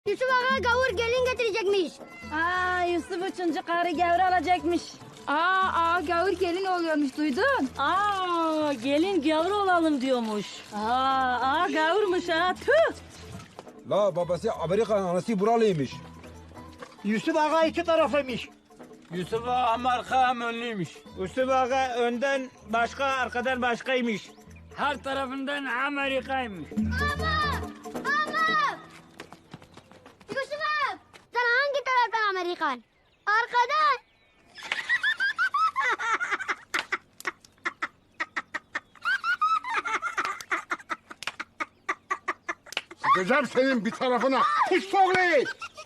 Yusuf Ağa gavur gelin getirecekmiş. Yusuf üçüncü karı gavur alacakmış. Gavur gelin oluyormuş duydun. Gelin gavur olalım diyormuş. Gavurmuş ha, tüh. La babası Amerikan, anası buralıymış. Yusuf Ağa iki taraflıymış. Yusuf Ağa hem arka hem önlüymüş. Yusuf Ağa önden başka, arkadan başkaymış. Her tarafından Amerika'ymış. Yusuf Ağa sen hangi taraftan Amerikan? Arkadan. Sıkacağım senin bir tarafına. Kuş soğlu.